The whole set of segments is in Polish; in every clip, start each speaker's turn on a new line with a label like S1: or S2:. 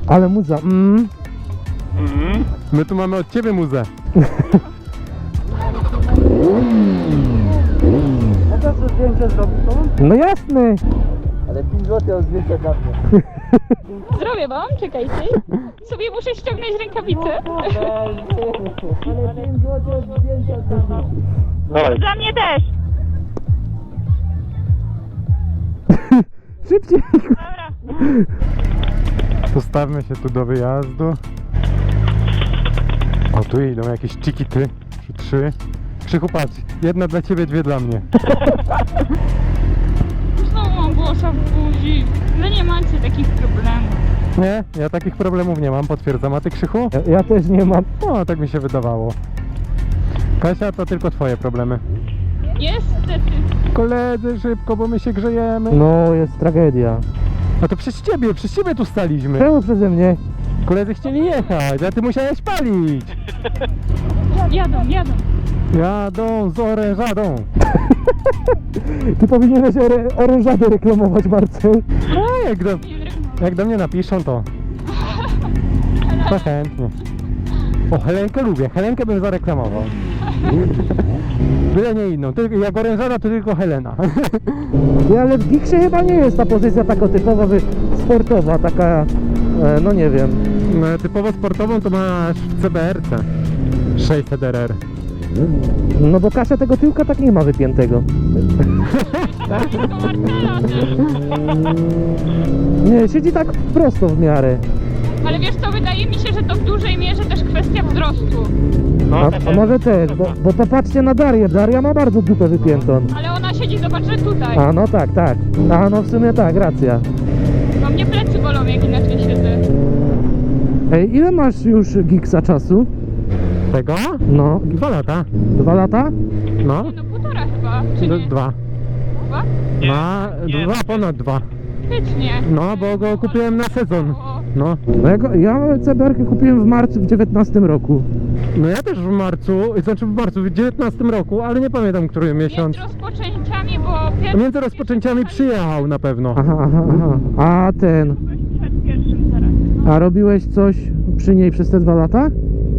S1: Ale muza,
S2: My tu mamy od ciebie muzę.
S3: Mogę sobie zdjęcie zrobić tą?
S1: No jasne.
S3: Ale 5 zł od zdjęcia dla mnie.
S4: Zrobię wam, czekajcie. Sobie muszę ściągnąć rękawice.
S3: Ale 5 zł od zdjęcia dla mnie.
S2: Dawaj.
S4: Dla mnie też.
S1: Szybciej.
S4: Dobra.
S2: Postawmy się tu do wyjazdu. O, tu idą jakieś czikity. 3. Krzychu, patrz. Jedna dla ciebie, 2 dla mnie.
S4: Znowu mam głosa w buzi. Wy nie macie takich problemów.
S2: Nie, ja takich problemów nie mam, potwierdzam. A ty, Krzychu?
S1: Ja też nie mam.
S2: No, tak mi się wydawało. Kasia, to tylko twoje problemy.
S4: Niestety.
S2: Koledzy, szybko, bo my się grzejemy.
S1: No, jest tragedia.
S2: A to przez ciebie tu staliśmy.
S1: Czemu przeze mnie?
S2: Koledzy chcieli jechać, a ty musiałeś palić.
S4: Jadą.
S2: Jadą z orężadą.
S1: Ty powinieneś orężadę reklamować, Marcel.
S2: No, jak do mnie napiszą, to chętnie. O, Helenkę lubię, Helenkę bym zareklamował. Byle nie inną, tylko, jak orężada to tylko Helena.
S1: Nie, ale w Giksie chyba nie jest ta pozycja taka typowa sportowa, taka, no nie wiem.
S2: No, typowo sportową to masz w CBR-ce 600 RR.
S1: No bo Kasia tego tyłka tak nie ma wypiętego.
S4: Do Marcela też.
S1: Nie, siedzi tak prosto w miarę.
S4: Ale wiesz co, wydaje mi się, że to w dużej mierze też kwestia wzrostu.
S1: A może też, bo popatrzcie na Darię. Daria ma bardzo dupę wypiętą.
S4: Ale ona siedzi, zobacz, że tutaj.
S1: A no tak. A no w sumie tak, racja.
S4: Bo mnie plecy bolą, jak inaczej siedzę.
S1: Ej, ile masz już Giksa czasu?
S2: Tego?
S1: No,
S2: 2 lata.
S1: 2 lata?
S2: No,
S4: No 1,5 chyba, czy nie?
S2: 2.
S4: 2?
S2: Ponad 2.
S4: Faktycznie.
S2: No, bo go kupiłem na sezon.
S4: O,
S2: No.
S1: No ja CBR-kę kupiłem w marcu w 19 roku.
S2: No ja też w marcu, w 19 roku, ale nie pamiętam, który miesiąc.
S4: między rozpoczęciami, bo pierwszy...
S2: Między rozpoczęciami przyjechał na pewno.
S1: Aha. A ten...
S4: Przed pierwszym zaraz.
S1: A robiłeś coś przy niej przez te 2 lata?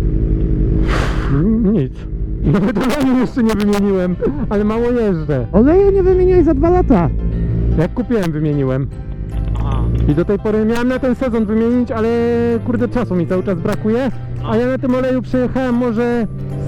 S2: Nic. Nawet oleju jeszcze nie wymieniłem, ale mało jeżdżę.
S1: Oleju nie wymieniłeś za 2 lata.
S2: Jak kupiłem, wymieniłem. I do tej pory miałem na ten sezon wymienić, ale kurde czasu mi cały czas brakuje. A ja na tym oleju przejechałem może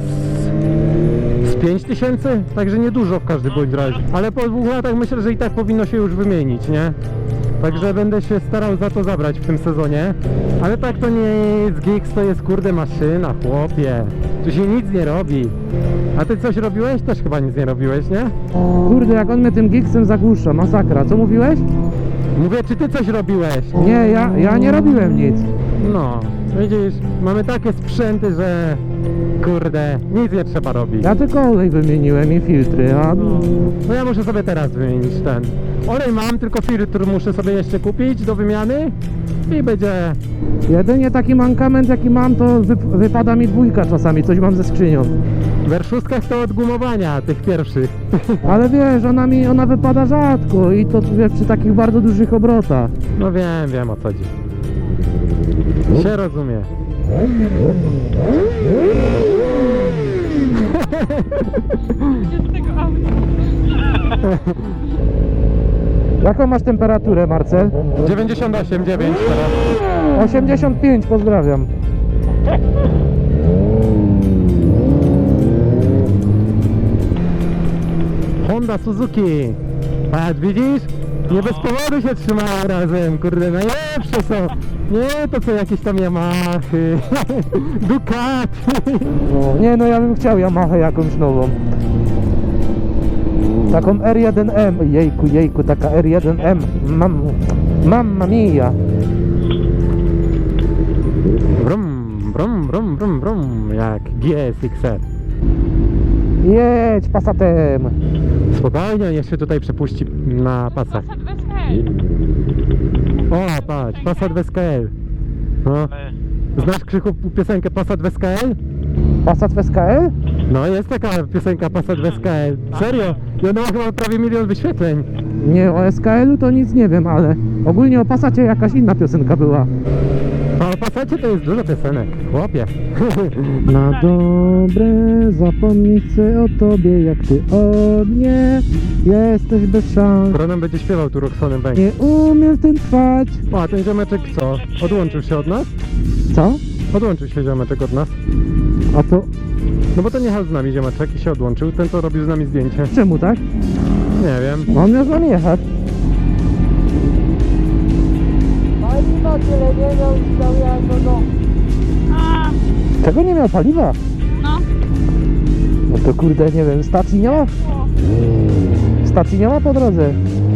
S2: z 5000, także niedużo w każdym bądź razie. Ale po 2 latach myślę, że i tak powinno się już wymienić, nie? Także będę się starał za to zabrać w tym sezonie. Ale tak to nie jest Giks, to jest kurde maszyna, chłopie. Tu się nic nie robi. A ty coś robiłeś? Też chyba nic nie robiłeś, nie?
S1: Kurde, jak on mnie tym Giksem zagłusza, masakra. Co mówiłeś?
S2: Mówię, czy ty coś robiłeś?
S1: Nie, ja nie robiłem nic.
S2: No, widzisz, mamy takie sprzęty, że kurde, nic nie trzeba robić.
S1: Ja tylko olej wymieniłem i filtry, a...
S2: No ja muszę sobie teraz wymienić ten. Olej mam, tylko filtr muszę sobie jeszcze kupić do wymiany i będzie...
S1: Jedynie taki mankament jaki mam, to wypada mi 2 czasami, coś mam ze skrzynią.
S2: W R6 to od gumowania tych pierwszych.
S1: Ale wiesz, ona wypada rzadko i to wiesz, przy takich bardzo dużych obrotach.
S2: No wiem o co chodzi. Się rozumie.
S4: Z tego auta.
S1: Jaką masz temperaturę, Marcel?
S2: 98,9 teraz.
S1: 85, pozdrawiam.
S2: Honda Suzuki. Patrz, widzisz? Nie bez powodu się trzymają razem, kurde, najlepsze są. Nie to co jakieś tam Yamahy, Ducati.
S1: No, nie no, ja bym chciał Yamahę jakąś nową. Taką R1M, jejku, taka R1M, mamma mia.
S2: Brum, jak GSX-R.
S1: Jedź Passatem.
S2: Spokojnie, niech się tutaj przepuści na pasach.
S4: Passat bez hej.
S2: O, patrz, Passat w SKL. No. Znasz, Krzychu, piosenkę Passat w SKL?
S1: Passat w SKL?
S2: No, jest taka piosenka Passat w SKL. Serio? I ona ma chyba prawie 1 000 000 wyświetleń.
S1: Nie, o SKL-u to nic nie wiem, ale ogólnie o Passacie jakaś inna piosenka była.
S2: Passacie to jest dużo piosenek, chłopie.
S1: Na dobre zapomnieć chcę o tobie, jak ty o mnie. Jesteś bez szans,
S2: Bronem będzie śpiewał tu Roxonem Bank.
S1: nie umiem w tym trwać.
S2: O, a ten ziomeczek co? Odłączył się od nas?
S1: Co?
S2: Odłączył się ziomeczek od nas.
S1: A to
S2: No bo to nie jechał z nami ziomeczek i się odłączył. Ten co robił z nami zdjęcie.
S1: czemu tak?
S2: Nie wiem.
S1: On miał z nami jechać.
S3: Paliwa tyle nie miał i dał jak do...
S4: A,
S1: Czego nie miał paliwa?
S4: no.
S1: No to kurde, nie wiem, stacji nie ma?
S4: O,
S1: Stacji nie ma po drodze.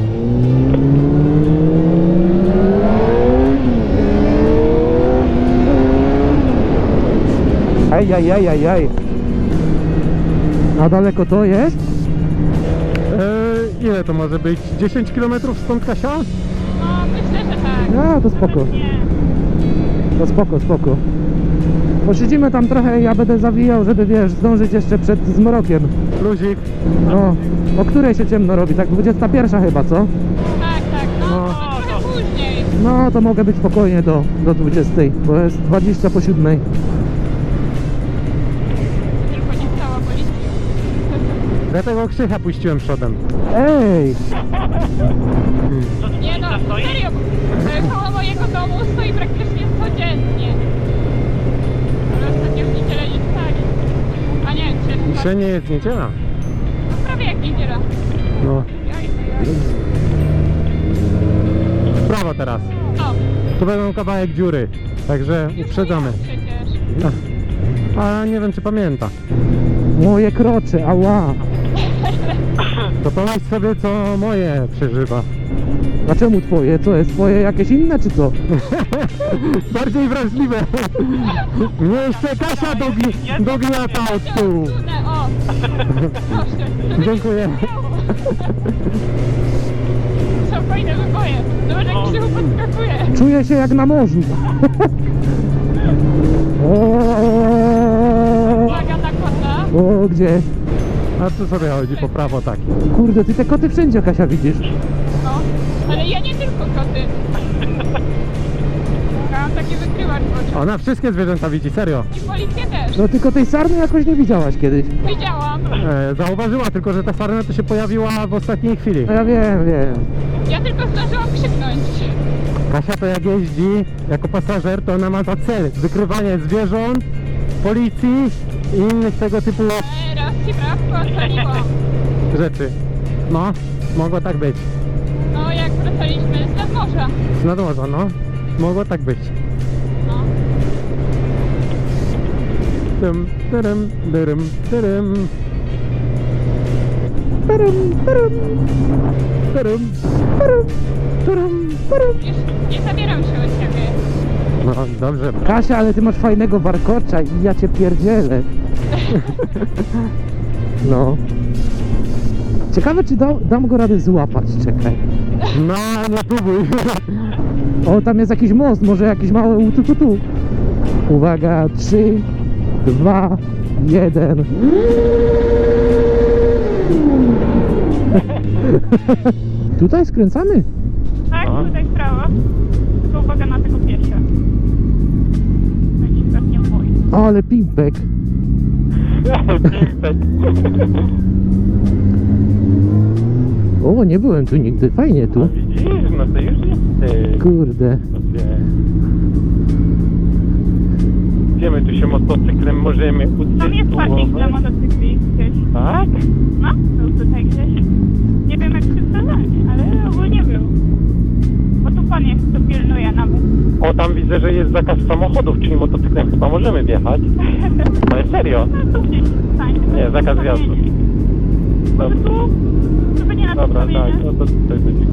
S1: Aj. A daleko to jest?
S2: Ile to może być? 10 km stąd, Kasia?
S4: no, myślę, że tak.
S1: A, to spoko.
S4: Nie.
S1: To spoko. Posiedzimy tam trochę i ja będę zawijał, żeby wiesz, zdążyć jeszcze przed zmrokiem.
S2: Luzik.
S1: No, o której się ciemno robi? Tak 21 chyba, co?
S4: Tak, no,
S2: No.
S4: może trochę później.
S1: No, to mogę być spokojnie do 20, bo jest 20 po 7.
S4: Tylko nie cała policja.
S2: Dlatego Krzycha puściłem przodem.
S1: Ej!
S4: Nie no, serio, koło mojego domu stoi praktycznie codziennie. Ale ostatnio w niedzielę nie stali. A nie, czy
S2: Dzisiaj nie jest niedziela.
S4: no, prawie jak niedziela.
S2: No.
S4: Jaj.
S2: W prawo teraz.
S4: O,
S2: Tu będą kawałek dziury. Także uprzedzamy.
S4: przecież.
S2: A nie wiem czy pamięta.
S1: Moje krocze, ała!
S2: To pomyśl sobie co moje przeżywa.
S1: A czemu twoje? Co jest twoje jakieś inne czy co?
S2: Bardziej wrażliwe. Mnie jeszcze Kasia dogniata od tyłu.
S4: O, proszę.
S2: Dziękuję.
S4: Są fajne wyboje. Zobacz jak Krzychu podskakuje.
S1: Czuję się jak na morzu.
S4: Uwaga na kota.
S1: O, gdzie?
S2: A tu sobie chodzi po prawo tak.
S1: Kurde, ty te koty wszędzie, Kasia, widzisz.
S4: No, ale ja nie tylko koty. Ja mam taki wykrywacz w oczach.
S2: Ona wszystkie zwierzęta widzi, serio.
S4: I policję też.
S1: No tylko tej sarny jakoś nie widziałaś kiedyś.
S4: Widziałam.
S2: Zauważyła tylko, że ta sarna to się pojawiła w ostatniej chwili.
S1: No ja wiem.
S4: Ja tylko zdążyłam krzyknąć.
S2: Kasia to jak jeździ jako pasażer, to ona ma za cel wykrywanie zwierząt, policji i innych tego typu
S4: Raz ci prawko ocaliło.
S2: rzeczy. No, mogło tak być.
S4: No jak wracaliśmy z nadmorza.
S2: Z nadmorza, no. Mogło tak być.
S4: No.
S2: Dym, dyrym, dyrym, dyrym. Dyrym,
S4: Już nie zabieram się od ciebie.
S2: no dobrze.
S1: Kasia, ale ty masz fajnego warkocza i ja cię pierdzielę. No. Ciekawe, czy dam go radę złapać, czekaj.
S2: No, nie próbuj.
S1: O, tam jest jakiś most, może jakiś mały tu. Uwaga, 3, 2, 1. Tutaj skręcamy.
S4: Tak,
S2: No.
S4: tutaj w prawo. Tylko uwaga na tego piesia. Tak się tak nie boi.
S1: Ale pimpek. O, nie byłem tu nigdy, fajnie tu.
S2: Widzisz, no to już jest.
S1: Kurde.
S2: Gdzie my tu się motocyklem możemy
S4: Tam jest parking dla motocykli gdzieś.
S2: Tak?
S4: No, był tutaj gdzieś. Nie wiem jak przedstawiać, ale ogólnie był. Bo tu pan jest, to pilnuje nawet.
S2: O, tam widzę, że jest zakaz samochodów, czyli motocyklem chyba możemy wjechać. Ale serio?
S4: No tu gdzieś stań.
S2: Nie, zakaz wjazdu.
S4: Może tu? Tu będzie na
S2: Dobra,
S4: postawienie.
S2: tak, no to tutaj będzie.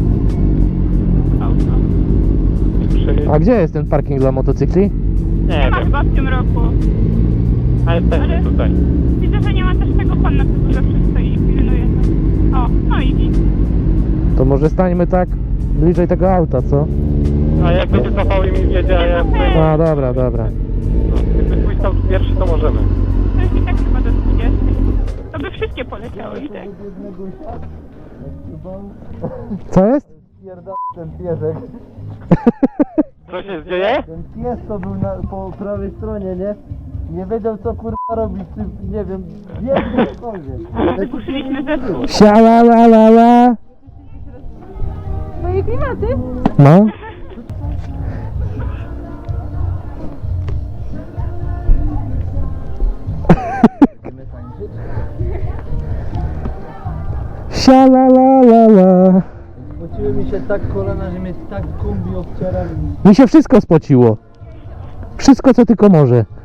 S1: A gdzie jest ten parking dla motocykli?
S2: Nie
S4: Nie ma
S2: wiem,
S4: chyba w tym roku.
S2: ale jesteśmy tutaj.
S4: Widzę, że nie ma też tego pana, co tu zawsze stoi i pilnuje. O, no i git.
S1: To może stańmy tak bliżej tego auta, co?
S2: A jak będzie cofał i mi wiedzie, a ja...
S1: A, dobra.
S2: No, jakby twój stał pierwszy, to możemy.
S4: To jest i tak chyba do 20. To by wszystkie poleciały i tak.
S1: Co jest?
S3: Pierdolę ten piesek.
S2: Co się dzieje?
S3: Ten pies to był po prawej stronie, nie? Nie wiedział co kurwa robić, czy nie wiem, biegnie cokolwiek.
S4: Puściliśmy też.
S1: Siala la la la.
S4: Twoje klimaty?
S1: No. Siala la la la.
S3: Spociły mi się tak kolana, że mnie tak kombi obciera.
S1: Mi się wszystko spociło. Wszystko co tylko może.